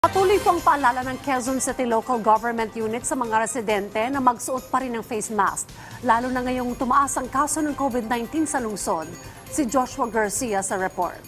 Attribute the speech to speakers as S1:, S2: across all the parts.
S1: Patuloy po ang paalala ng Quezon City Local Government Unit sa mga residente na magsuot pa rin ng face mask, lalo na ngayong tumaas ang kaso ng COVID-19 sa lungsod. Si Joshua Garcia sa report.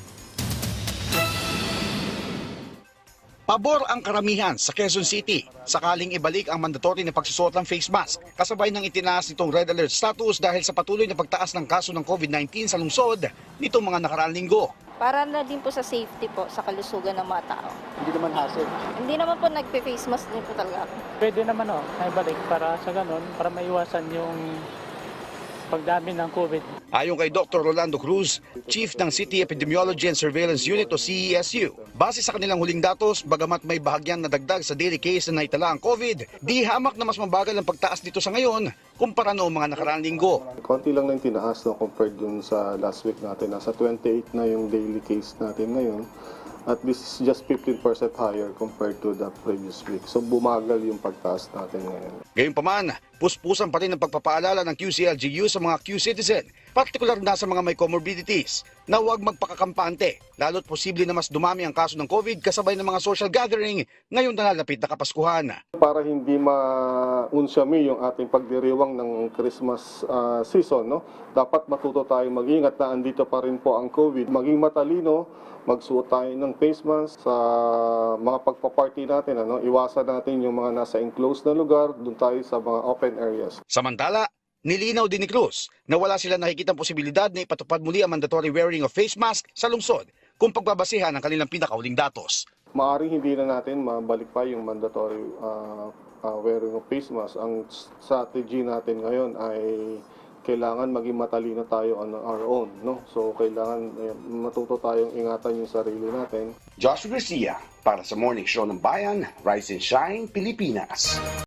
S2: Pabor ang karamihan sa Quezon City sakaling ibalik ang mandatory na pagsusuot ng face mask kasabay ng itinaas nitong red alert status dahil sa patuloy na pagtaas ng kaso ng COVID-19 sa lungsod nitong mga nakaraang linggo.
S3: Para na din po sa safety po, sa kalusugan ng mga tao.
S4: Hindi naman hassle.
S3: Hindi naman po nagpe-face mask din po talaga ako.
S4: Pwede naman naibalik para sa ganun, para maiwasan yung pagdami ng COVID.
S2: Ayon kay Dr. Rolando Cruz, Chief ng City Epidemiology and Surveillance Unit o CESU, base sa kanilang huling datos, bagamat may bahagyang nadagdag sa daily case na naitala ang COVID, di hamak na mas mabagal ang pagtaas dito sa ngayon kumpara noong mga nakaraang linggo.
S5: Konti lang na yung tinaas compared dun sa last week natin. Nasa 28 na yung daily case natin ngayon. At this is just 15% higher compared to the previous week. So bumagal yung pagtaas natin ngayon.
S2: Gayunpaman, puspusan pa rin ang pagpapaalala ng QCLGU sa mga Q-citizen, partikular na sa mga may comorbidities, na huwag magpakakampante, lalo't posible na mas dumami ang kaso ng COVID kasabay ng mga social gathering ngayong nalalapit na Kapaskuhan.
S5: Para hindi maunsyami yung ating pagdiriwang ng Christmas season, no? Dapat matuto tayong mag-ingat na andito pa rin po ang COVID. Maging matalino, magsuot tayo ng face mask sa mga pagpaparty natin. Iwasan natin yung mga nasa enclosed na lugar, doon tayo sa mga open areas.
S2: Samantala, nilinaw din ni Cruz na wala sila nakikitang posibilidad na ipatupad muli ang mandatory wearing of face mask sa lungsod kung pagbabasehan ang kanilang pinakauling datos.
S5: Maaring hindi na natin mabalik pa yung mandatory wearing of face mask. Ang strategy natin ngayon ay kailangan maging matalino tayo on our own, no? So kailangan matuto tayong ingatan yung sarili natin.
S2: Joshua Garcia para sa Morning Show ng Bayan, Rise and Shine, Pilipinas.